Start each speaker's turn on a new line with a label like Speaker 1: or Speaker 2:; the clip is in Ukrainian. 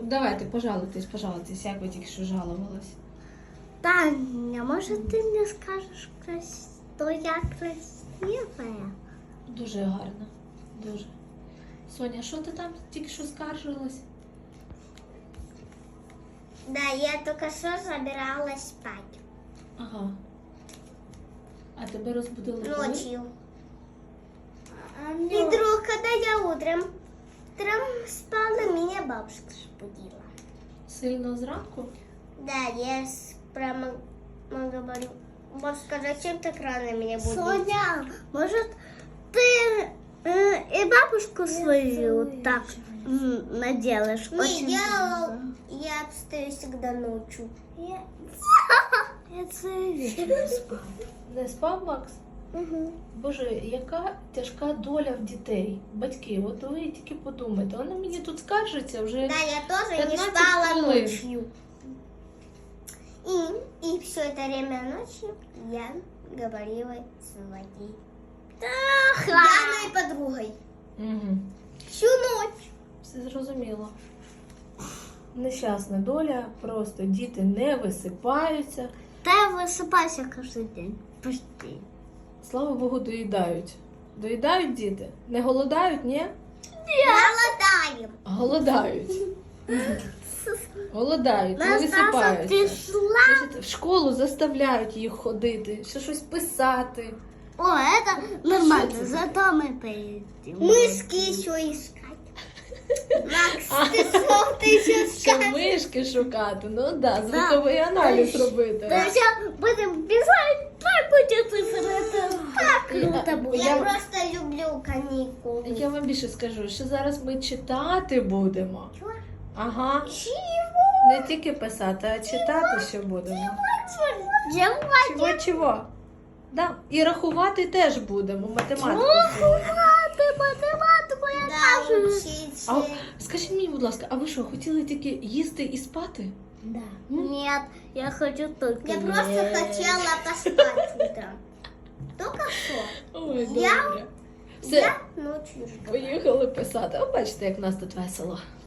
Speaker 1: давайте, пожалуйтесь, як ви тільки що жалувались.
Speaker 2: Таня, может ты мне скажешь, что я красивая?
Speaker 1: Дуже гарно, дуже. Соня, що ти там тільки що скаржилась?
Speaker 2: Да, я только что собиралась спать.
Speaker 1: Ага. А тебе розбудили коли?
Speaker 2: Ночью. И вдруг, когда я утром спала, меня бабушка разбудила.
Speaker 1: Сильно зранку?
Speaker 2: Да, я прямо говорю, бабушка, зачем так рано меня будить? Соня, может ты и бабушку свою так наделаешь? Не, я встаю всегда ночью. Я целый вечер не спала.
Speaker 1: Не спав, Макс?
Speaker 2: Угу.
Speaker 1: Боже, яка тяжка доля в дітей. Батьки, от ви тільки подумайте. Вона мені тут скаржиться вже.
Speaker 2: Да, я тоже не
Speaker 1: 15
Speaker 2: спала
Speaker 1: хвилин.
Speaker 2: ночью. И все это время ночью я говорила своей пьяной подругой.
Speaker 1: Угу.
Speaker 2: Всю ночь.
Speaker 1: Все зрозуміло. Нещасна доля, просто діти не висипаються.
Speaker 2: Да, я высыпаюсь каждый день. Почти.
Speaker 1: Слава Богу, доїдають. Доїдають діти? Не голодають, ні?
Speaker 2: Голодаем.
Speaker 1: Голодають. Голодають, не
Speaker 2: Настасья
Speaker 1: висипаються.
Speaker 2: пришла.
Speaker 1: Значить, в школу заставляють їх ходити, ще щось писати.
Speaker 2: О, это нормально, зато мы поедем. Мышки еще искать. Макс, ты еще
Speaker 1: Ще мишки шукати, ну да, звуковий аналіз робити.
Speaker 2: Сейчас будем писать, так будет цифры. Это так круто будет. Я просто люблю каникулы.
Speaker 1: Я вам більше скажу, що зараз ми читати будемо.
Speaker 2: Чего?
Speaker 1: Ага,
Speaker 2: Чего?
Speaker 1: не тільки писати, а читати ще будемо.
Speaker 2: Чего?
Speaker 1: Чого? Да. І рахувати теж будемо, математику.
Speaker 2: Математику я тоже.
Speaker 1: А скажіть мені, будь ласка, а ви що, хотіли тільки їсти і спати?
Speaker 2: Да. Нет, я хочу только Я просто хотела поспать утром. Только что.
Speaker 1: Ой,
Speaker 2: Я-
Speaker 1: добре. Все,
Speaker 2: Я ночью жду.
Speaker 1: поїхали писати. О, бачите, як в нас тут весело.